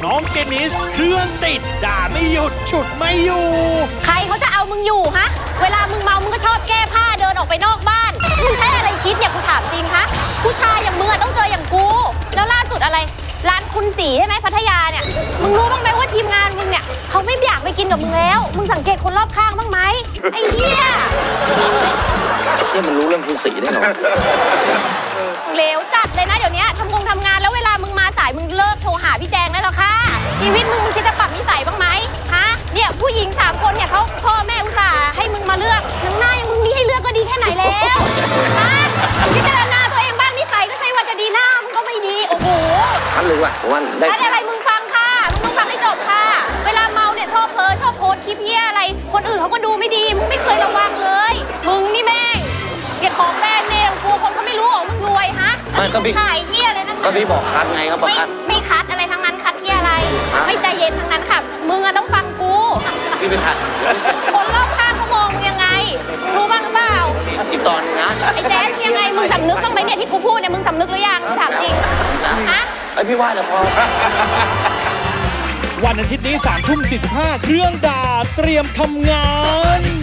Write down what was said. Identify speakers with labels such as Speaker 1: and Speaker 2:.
Speaker 1: น้องเจนิสเครื่องติดด่าไม่หยุดฉุดไม่อยู่
Speaker 2: ใครเขาจะเอามึงอยู่ฮะเวลามึงเมามึงก็ชอบแก้ผ้าเดินออกไปนอกบ้านมึงใช้อะไรคิดเนี่ยกูถามจริงคะผู้ชายอย่างมึงอะต้องเจออย่างกูแล้วล่าสุดอะไรร้านคุณสีใช่ไหมพัทยาเนี่ยมึงรู้บ้างไหมว่าทีมงานมึงเนี่ยเขาไม่อยากไปกินกับมึงแล้วมึงสังเกตคนรอบข้างบ้างไหมไอ้เหี้ย
Speaker 3: เนี่ยมันรู้เรื่องคุณสีได้เหรอ
Speaker 2: เหลวจัดเลยนะเดี๋ยวนี้ทำงานแล้วเวลามึงมาสายมึงเลิกโทรหาพี่แจงได้แล้วค่ะชีวิตมึงคิดจะปรับนิสัยบ้างไหมฮะเนี่ยผู้หญิง3 คนเนี่ยเขาพ่อแม่อุตส่าห์ให้มึงมาเลือกน้ำหน้ายังมึงมีให้เลือกก็ดีแค่ไหนแล้วฮะพิจารณาตัวเองบ้างนิสัยก็ใช่ว่าจะดีหน้ามึงก็ไม่ดีโอ้โห
Speaker 3: ทันเลยว่ะวันได้
Speaker 2: อะไรมึงฟังค่ะมึงต้องฟังให้จบค่ะเวลาเมาเนี่ยชอบโพสต์คลิปเหี้ยอะไรคนอื่นเขาก็ดูไม่ดีมึงไม่เคยระวังเลยมึงนี่แม่งเกลียดของแบรนด์เนมกลัวคนเขาไม่รู้หรอมึงรวยฮะขายเหี้ยเลยนะ
Speaker 3: ก็พี่บอกคัดไงครับบอกคัด
Speaker 2: ไม่คัดอะไรทั้งนั้นคัดเหี้ยอะไร ไม่ใจเย็นทั้งนั้นค่ะมึงอะต้องฟังกู
Speaker 3: พี่ไปคัด
Speaker 2: คนรอบข้างเขามองมึงยังไงมึงรู้บ้างหรือเปล่า
Speaker 3: อีกตอนนึงนะ
Speaker 2: ไอ้แจ๊สยังไงมึงสำนึกบ้างไหมเนี่ยที่กูพูดเนี่ยมึงสำนึกหรือยังถามจริงฮะ
Speaker 3: ไอพี่ว่าแล้วพอ
Speaker 1: วันอาทิตย์นี้3 ทุ่ม 45เครื่องด่าเตรียมทำงาน